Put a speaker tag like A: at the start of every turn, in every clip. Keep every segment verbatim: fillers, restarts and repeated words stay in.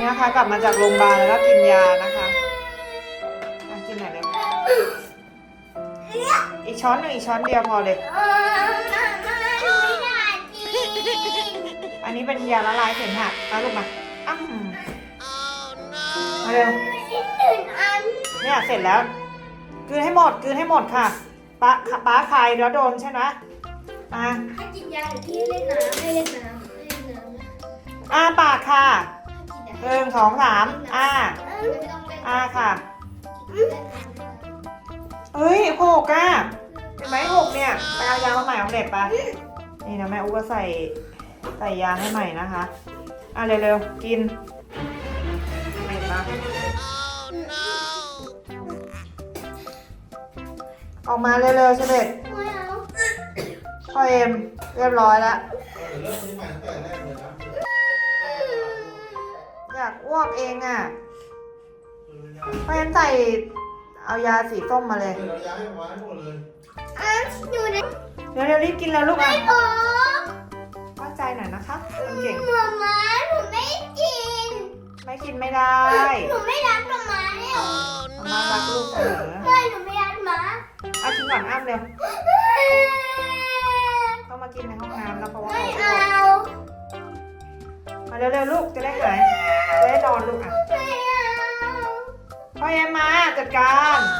A: นะคะ กลับมาจากโรงพยาบาลแล้วก็กินยานะคะกินหน่อยเร็วอีกช้อนหนึ่งอีกช้อนเดียวพอเลยอันนี้เป็นยาละลายเสมหะมาลูกมาอ้ำมาเร็วเนี่ยเสร็จแล้วกลืนให้หมดกลืนให้หมดค่ะป้าป้าคายแล้วโดนใช่ไหมอ่ะ
B: ให้กินยาหรือที่เล่นน้ำให้เล่นน้ำให้เล่นน้ำ
A: อ่าปากค่ะหนึ่งสองสามอ่าอ่าค่ะเฮ้ยหกอ่ะเห็นไหมหกเนี่ยไปเอายามาใหม่ของเด็กปะนี่นะแม่อุ๊ก็ใส่ใส่ยาให้ใหม่นะคะอ่ะเร็วๆกินไม่ปะออกมาเร็วๆเฉลิดพ่อเอ็มเรียบร้อยแล้วอยากอ้วกเองอ่ะพ่อเอ็มใส่เอายาสีส้มมาเลยเดี๋ยวเดี๋ยวรีบกินแล้วลูกอ่ะเข้าใจหน่อยนะคะคนเก่ง
B: หมาม้าหนูไม่กิน
A: ไม่กินไม่ได้
B: หนูไม่รักหมาม้าเนี่ย
A: มารักลูกเสมอ
B: ไม่หนูไม่รักหมา
A: เอากินก่อนอ้ามเร็วเข้ามากินในห้องน้ำแล้วเพราะว่า
B: ไม่
A: เขา
B: เอา
A: มาเร็วๆลูกจะได้หายจะได้นอนลูกอ่ะ
B: ไม่เอา
A: พ่อเอ็มมาจัดการ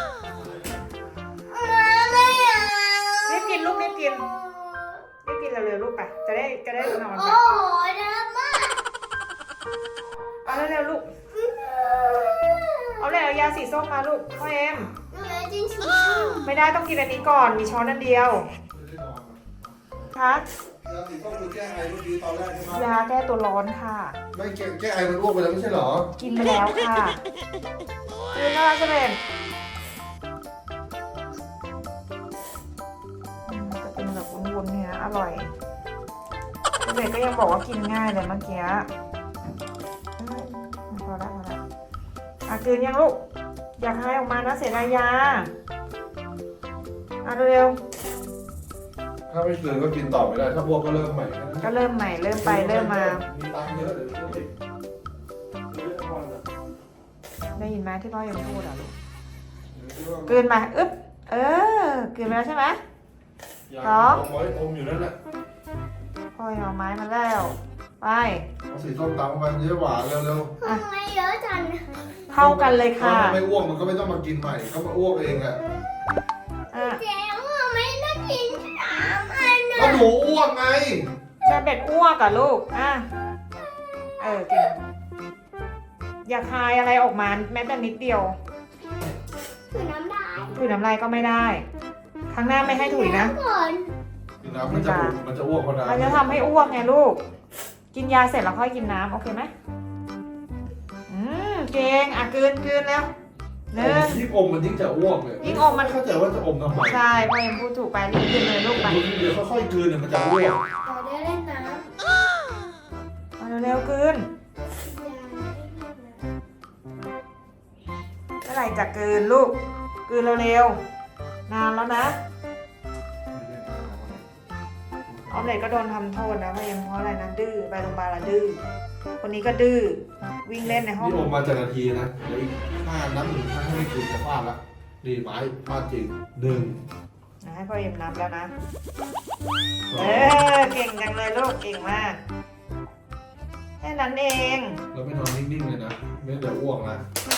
B: มาไม่เอา
A: รีบกินลูกรีบกินรีบกินเร็วๆลูกไปจะได้จะได้นอน
B: โอ้
A: ไป
B: โหนะมาก
A: เอาเร็วๆลูกเอาเลยเอายาสีส้มมาลูกพ่อเอ็ม
B: หนูเลยจริงชิว
A: ไม่ได้ต้องกินอันนี้ก่อนมีช้อนอันเดียวคะ
C: ยาสีส้มคือแก้ไอเมื่อกี้ตอนแรกใช่ไหม
A: ยาแก้ตัวร้อนค่ะ
C: ไม่แก้แก้ไอมันอ้วกไปแล้วไม่ใช่เหรอ
A: กินไปแล้วค่ะกินแล้วจะเป็นจะเป็นแบบวุ้นๆเนี่ยอร่อยเด็กก็ยังบอกว่ากินง่ายเลยเมื่อกี้พอแล้วพอแล้วอ่ะกินยังลูกอยากให้ออกมานะเสียดายยาอ่ะเร็ว
C: ถ้าไม่เกินก็กินต่อไม่ได้ ถ้าอ้วกก็เริ่มใหม่
A: ก็เริ่มใหม่เริ่มไปเริ่มมา
C: มีตังค์เยอะเดี๋ยวช่วย
A: ได้ยินไหมที่พ่อยังพูดอ่ะลูกกลืนมาอึ๊บเออกลืนไปแล้วใช่ไหม
C: ท้องไว้อมอยู่นั่นแหละ
A: พ่อเอาไม้มาแล้วไป
C: เอาสีส้มตามมันเยอะหวานเร็ว
B: ๆทำไมเยอะจัง
C: ๆ
A: เท่ากันเลยค่ะ
C: ถ้าไม่อ้วกมันก็ไม่ต้องมากินใหม่ ก็มาอ้วกเองอ่ะ
A: อ่ะ
B: เจ๊ว่าไม่ได้กินสามอัน
C: ก็
B: นะ
C: หนูอ้วกไง
A: จะเป็ดอ้วกกับลูกอ่ะเออกินอย่าคายอะไรออกมาแม้แต่นิดเดียว
B: คือน้ำลาย
A: ถุยน้ำลายก็ไม่ได้ครั้งหน้าไม่ให้ถุยนะ
B: ก่อน
C: กินน้ำมันจะมันจะอ้วกเพราะน้ำ
A: มันจะทำให้อ้วกไงลูก กินยาเสร็จแล้วค่อยกินน้ำโอเคไหมอืมเก่งอ่ะกลืนกลืนแล้วหนึ่ง
C: ยิ่งอมมันยิ่งจะอ้วกเลย
A: ยิ่งอมมัน
C: เข้าใจว่าจะอมทำไม
A: ใช่พ่อเอ็มพูดถูกไปรีบกินเลยลูกไป
C: เดี๋ยวค่อยๆกลืนเนี่ยมันจะอ้วก
B: เราได้เล่นน้ำ
A: เอาเร็วๆกลืนเมื่อไหร่จะกลืนลูกกลืนเร็วๆนานแล้วนะออมเล็ตก็โดนทำโทษนะพ่อเอ็มเพราะอะไรนะดื้อไปโรงพยาบาลแล้วดื้อคนนี้ก็ดื้อวิ่งเล่นในห้อง
C: นี่อมมาจากนาทีนะเดี๋ยวอีกห้านับหนึ่งถ้าไม่กลืนจะฟาดละดีไม้ฟาดจริงหนึ่ง
A: นะให้พ่อเอ็มนับแล้วนะเออเก่งจังเลยลูกเก่งมากแค่นั้นเอง
C: เราไม่นอนนิ่งๆเลยนะไม่เดี๋ยวอ้วกนะ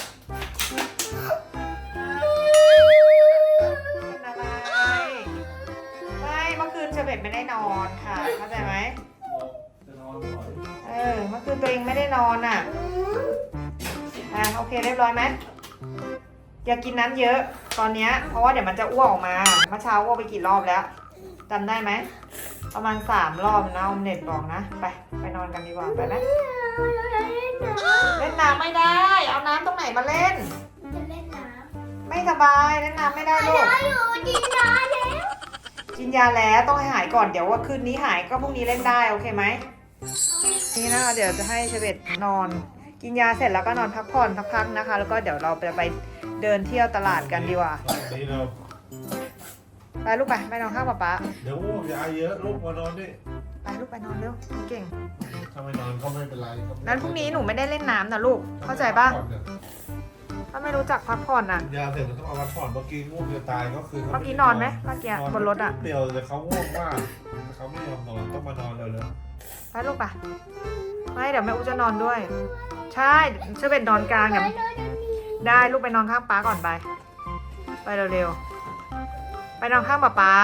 A: เป็นอะไรไม่เมื่อคืนเชเบตไม่ได้นอนค่ะเข้าใจไหม
C: จะนอนหน่อย
A: เออเมื่อคืนตัวเองไม่ได้นอนอ่ะอ่ะโอเคเรียบร้อยไหมอย่ากินน้ำเยอะตอนเนี้ยเพราะว่าเดี๋ยวมันจะอ้วกออกมาเมื่อเช้าอ้วกไปกี่รอบแล้วจำได้ไหมประมาณสามรอบนะออมเน็ตบอกนะไปไปนอนกันดีกว่าไปไหมเล่นน้ำไม่ได้เอาน้ำตรงไหนมาเล่น
B: จะเล่นน้
A: ไม่สบายเล่นน้ำไม่ได้
B: ำ
A: ลูก
B: ได้อยู่กินน้ำแล้ว
A: กินยาแล้วต้องให้หายก่อนเดี๋ยวว่าคืนนี้หายก็พรุ่งนี้เล่นได้โอเคไหมนี่นะคะเดี๋ยวจะให้เชเบตนอน กินยาเสร็จแล้วก็นอนพักผ่อนสักพักนะคะ แล้วก็เดี๋ยวเราไปไปเดินเที่ยวตลาดกันดีกว่า
C: นี่เรา
A: ไปลูกไปไปนอนข้างป๊าป๊า
C: เดี๋ยวอ้วกยาเยอะลูกมานอนดิ
A: ไปลูกไปนอนเร็วเก่ง
C: ถ้าไม่นอนก็ไม่เป็นไรก็
A: นั้นพรุ่งนี้หนูไม่ได้เล่นน้ำนะลูกเข้าใจป่ะ
C: พักผ่อนเนี่ย
A: ถ้าไม่รู้จักพักผ่อนอ่ะ
C: กินยาเสร็จมันต้องเอาพักผ่อนเมื่อกี้ง่วงจะตายก็คือ
A: เมื่อกี้นอนไหมเมื่อกี้บนรถอ่ะ
C: เดียวแต่เขาง่วงมากแต่เขาไม่ยอมนอนต้องมานอนเร็ว
A: ไปลูกปะไม่เดี๋ยวแม่อูจะนอนด้วย ใช่เชื่อเป็นนอนกลางอย่าได้ลูกไปนอนข้างป๊าก่อนไป ไปเร็วๆไปนอนข้างป๊าป๊า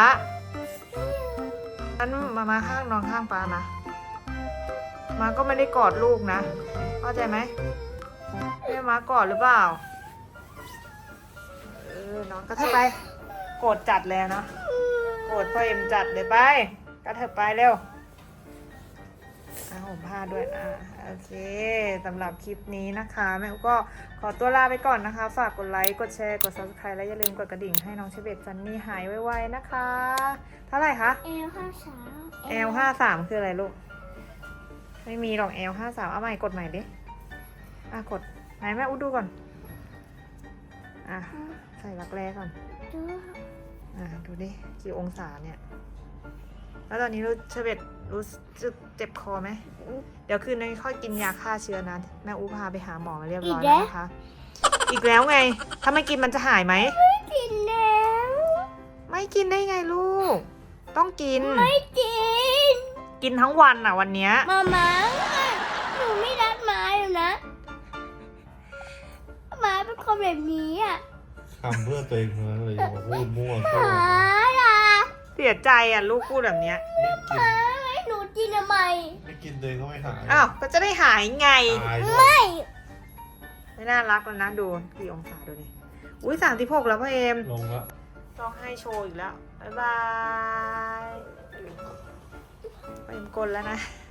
A: นั้นมามาข้างนอนข้างป๊านะมาก็ไม่ได้กอดลูกนะเข้าใจไหมแม่มากอดหรือเปล่าเออนอนก็เถอะไปโกรธจัดเลยเนาะโกรธพ่อเอ็มจัดเลยไปก็เถอะไปเร็ว อ่ะผมพาด้วยอ่ะโอเคสำหรับคลิปนี้นะคะแม่อุ๊ก็ขอตัวลาไปก่อนนะคะ ฝากกดไลค์กดแชร์กด ซับสไครบ์ และอย่าลืมกดกระดิ่งให้น้องเชเบตฟันนี่หายไวๆนะคะ เท่าไหร่คะ
B: เอลห้าสาม
A: แอล ห้าสามคืออะไรลูก ไม่มีหรอก แอล ห้าสามเอาใหม่กดใหม่ดิอ่ะกดไหนแม่อุ๊ดูก่อนอ่ะใส่รักแร้ก่อน
B: ดู
A: อ่ะดูดิกี่องศาเนี่ย แล้วตอนนี้รู้เชเบตรู้สึกเจ็บคอไหม เดี๋ยวคืนนี้ค่อยกินยาฆ่าเชื้อนะ แม่อูพาไปหาหมอมาเรียบร้อยแล้วนะคะ อีกแล้วไง ถ้าไม่กินมันจะหายไหม
B: กินแล้ว
A: ไม่กินได้ไงลูก ต้องกิน
B: ไม่กิน
A: กินทั้งวันอ่ะวันเนี้ย
B: มาม่าหนูไม่รักหมาอยู่นะหมาเป็นคนแบบนี้อ่ะ
C: ๆทำเพื่อตัวเองนะเลยอย่ามาพูดมั่ว
B: ห
C: ก็
B: มาล่ะ
A: เสียใจอ่ะลูกพูดแบบเนี้ย
C: ไม่กิน
B: ให้หนูกินทำไม
C: ไม่กินตัวเองก็ไม่หาย
A: อ้าว ก็จะได้หายไง
C: ตายด้วย
B: ไม่
A: ไม่น่ารักแล้วนะดูกี่องศาดูดิ อุ้ยสามสิบหกแล้วพ่อเอม
C: ลงละ
A: ต้องให้โชว์อีกแล้ว บ๊ายบายพ่อเอมกลนแล้วนะ